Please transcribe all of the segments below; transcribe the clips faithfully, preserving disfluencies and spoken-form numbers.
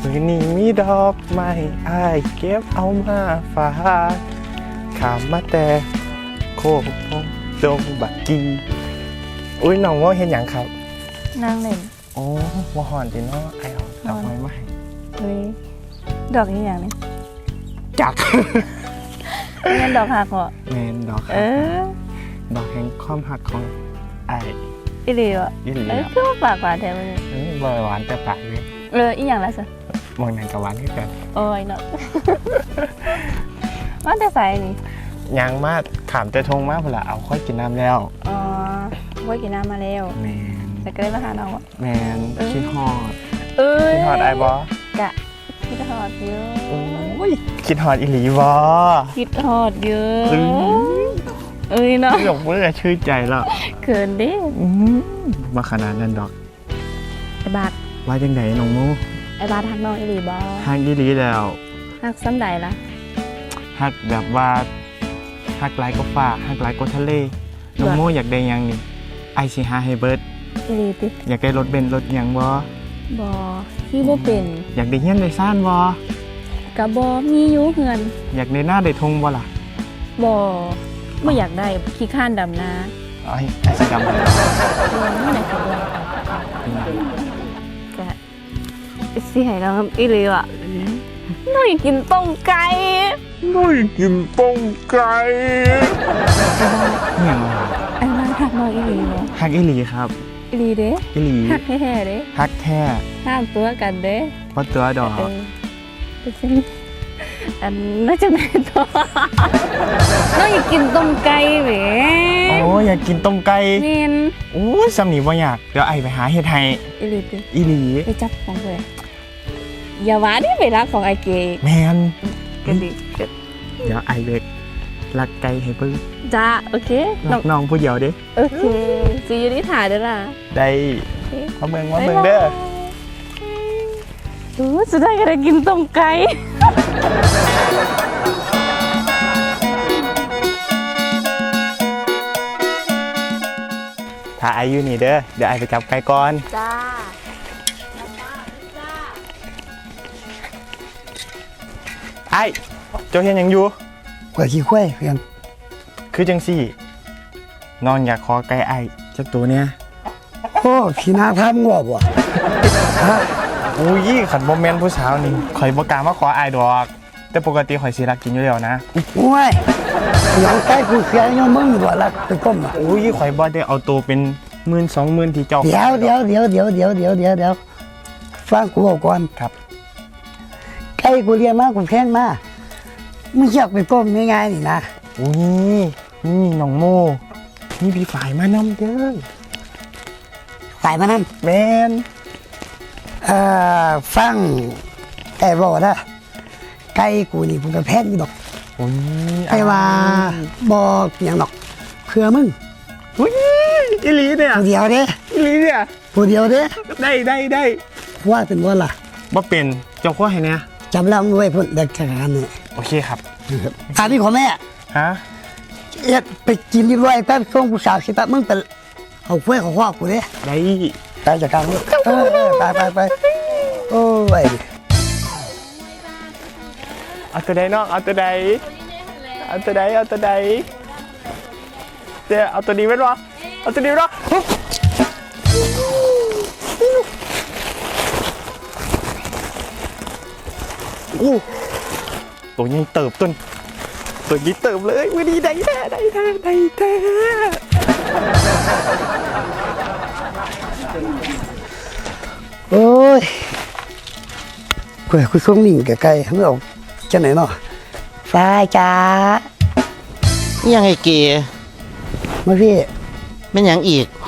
มือนี้มีดอกไม้อ้ายเก็บเอามาฝากขามมาแต่โคกพงดงบักกีอุ้ยน้องว่าเห็นอย่างครับนางเล่นโอ้ว่าหอนดีเนาะไอเอาดอกไม้มาให้เฮ้ยดอกนี้อย่างนี้จักเงินดอกหักเหรอแมนดอกเออดอกแห่งความหักของไออีหลีวะอีหลีเออคือว่าปากหวานแท้เลยเออบอยหวานแต่ปากเลยเอออีอย่างไรสิมองหนังกับหวานที่กันโอ้ยเนาะว่าแต่ใส่นี่ยังมากขามจะทงมากเวลาเอาค่อยกินน้ำแล้วอ๋อค่อยกินน้ำมาแล้วแมนแต่ก็ได้มาหาน้องอ่ะแมนคิดฮอดเอ้ยคิดฮอดไอ้บอกะคิดฮอดเยอะโอ้ยคิดฮอดอีหลีบอคิดฮอดเยอะเอ้ยเนาะหยกเมื่อชื่นใจแล้วเขินดิมาขนาดนั้นดอกไอ้บาทว่าจังไดน้องโมไอ้บาทฮักน้องอีหลีบอฮักอีหลีแล้วฮักซ้ำใดล่ะฮักแบบว่าฮักไลก็ฟ้าฮักไลก็ทะเลน้องโมอยากได้ยังนี่ไอซีฮาให้เบิร์ดอีหลีติอยากได้รถเบนซ์รถยังบบอที่บ่เป็นอยากได้เฮี้ยนได้ซ่านบกะบอมีอยู่เฮือนอยากได้หน้าได้ทงบ่ล่ะบอไม่อยากได้ขี้ข้านดำนาไอ้ไอ้สีดำเลยไม่ไหนสีดำกะสิให้น้องอีหลีอ่ะน้องอยากกินต้มไก่น้องอยากกินต้มไก่เนี่ยไอ้บ้านหักน้องอีหลีเหรอฮักอีหลีครับอีหลีเด้อีหลีฮักแท้ๆเด้ฮักแท้ห้ามตัวกันเด้เพราะตัวดอกอันน่าจะไหนตัวน้องอยากกินต้มไก่แหมโอ้อยากกินต้มไก่เมนโอ้ยสำนีบ่อยากเดี๋ยวไอไปหาเฮ็ดให้อีหลีอีหลีไปจับของเลยอย่าว่าดิไปรักของไอเกแมนกันดิเดี๋ยวไอเล็กรักไก่ให้เพิ่งจ้าโอเครักน้องผู้เดียวดิโอเคซีอยู่ที่ถ่ายเด้อล่ะได้มาเมืองมาเมืองเด้อโอ้จะได้ก็ได้กินต้มไก่ถ้าไออยู่นี่เด้อเดี๋ยวไอไปจับไก่ก่อนจ้าไอเจ้าเฮียนยังอยู่กว่าขี้ควายเพียงคือจังสี่นอนอยากขอไก่ไอจักตัวเนี้ยโอ้ขี้นาทำงอบวะฮะโอ้ยขันโมเมนต์ผู้สาวนี่ข่อยบอกกล้ามาขอไอดอกแต่ปกติข่อยสิรักกินอยู่แล้วนะโอ้ยอยากใกล้กูเสียยังมึงอยู่บ่รักไปก้มอ่ะโอ้ยข่อยบ่ได้เอาตัวเป็นหมื่นสองหมื่นที่เจ้าเดี๋ยวเดี๋ยวเดี๋ยวเดี๋ยวเดี๋ยวเดี๋ยวเดี๋ยวเดี๋ยวฟังกูบอกก่อนครับใกล้กูเรียนมากกูแค้นมากมึงอยากไปก้มง่ายๆนี่นะโอ้ยนี่น้องโมนี่พี่ฝ่ายมานำเด้อฝ่ายมานำแมนเอ่อฟังไอ้บอกนะไก่กูนี่ผมก็แพ้นี่ดอกโอ้ยไอ้ว่าบอกอย่างดอกเพื่อมึงอุ้ยอีหลีเนี่ยผู้เดียวเด้อีหลีเนี่ยผู้เดียวเด้ได้ได้ได้ว่าเป็นว่าล่ะบ่เป็นเจ้าข้อให้เนี่ยจำแล้วด้วยพุ่นเด็กขนาดนี้โอเคครับอันนี้ของแม่ฮะเอ็ดไปกินยี่ร้อยแป๊บช่วงกูสาวสิแป๊บมึงเป็นเอาเฟ้ยของพ่อกูเนี่ยได้ตายจากการนี้เออไปไปไปโอ้ยเอาตัวใดน้องเอาตัวใดเอาตัวใดเอาตัวใดเดี๋ยวเอาตัวนี้ไว้รอเอาตัวนี้ไว้รอโอ้ตัวนี้เติบต้นตัวนี้เติบเลยวันนี้ได้แท้ได้แท้ได้แท้โอ้ยคุยคุยช่วงนิ่งไกลๆไม่เอาจะไหนเนาะฟ้าจ้ายังไงเก๋มาพี่ไม่ยังอีก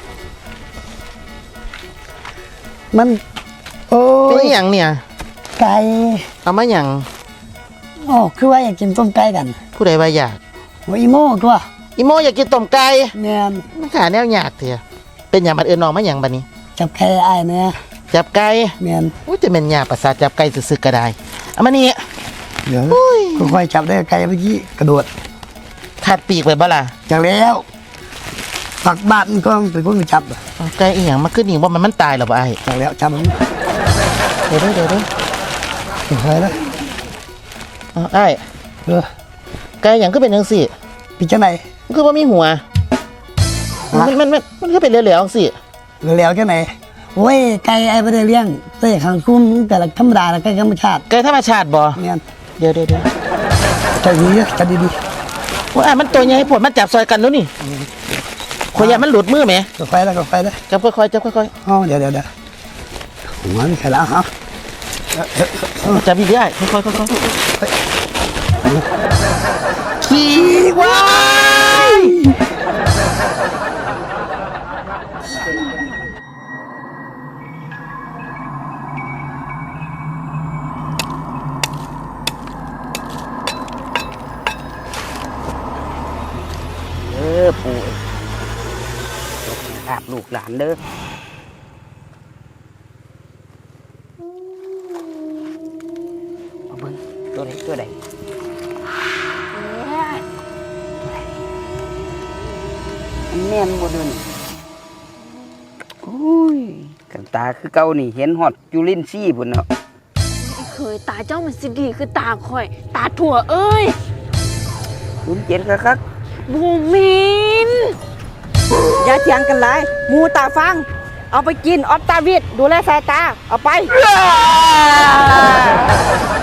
มันโอ้ยเป็นยังเนี่ยไก่เอามายังอ๋อคือว่าอยากกินต้มไก่กันผู้ใดว่าอยากโอ้อีโม่ตัวอีโมอยากกินต้มไก่แม่นมันขาแนวอยากเถอะเป็นอย่างบัดเอิญน้องมาอย่างบัดนี้จับไก่ไอ้เนี่ยจับไก่แม่นอุ้ยจะเป็นยาประสาทจับไก่สึกๆก็ได้เอามานี่เดี๋ยวค่อยๆจับได้ไก่เมื่อกี้กระโดดขาดปีกไปบ่ล่ะจังแล้วฝักบ้านก็เป็นพวกจับไก่อีหยังมาขึ้นนี่ว่ามันมันตายหรอบ่ไอ้จังแล้วจับมันเดี๋ยวเดี๋ยวเดี๋ยวค่อยๆนะเอาไอ้ายเออไก่หยังก็เป็นจังซี่เป็นจังไหนมันคือบ่มีหัว มันมันมันมันคือเป็นเหลวๆจังซี่เหลวๆจังไหนโอ้ยไก่ไอ้บ่ได้เลี้ยงเต้ขังคุ้มแต่ละธรรมดาแล้วไก่ธรรมชาติไก่ธรรมชาติบ่แม่นเดี๋ยวเดี๋ยวเดี๋ยวใจดีเด้อใจดีว่าอ้ายมันตัวใหญ่ผลมันจับซอยกันแล้วนี่ข่อยอยากมันหลุดมือแหมๆก็ค่อยแล้วก็ค่อยแล้วจับค่อยๆจับค่อยอ๋อเดี๋ยวเดี๋ยวเดี๋ยวหัวนี่ใครละฮะๆจับอีกได้ค่อยๆค่อยๆขี่ว้ายเออปู่อาบลูกหลานเด้อเอาเบิ่งตัวไหนตัวใดอันแม่นบ่เดินอุ้ยกันตาคือเก่านี่เห็นฮอดจุลินทรีย์พุ่นเนาะเคยตาเจ้ามันสิดีคือตาข่อย ตาถั่วเอ้ยศูนย์เจ็ดคักบูมินอย่าเถียงกันเลยหมูตาฟัง เอาไปกินออฟตาวิดดูแลสายตา เอาไปๆ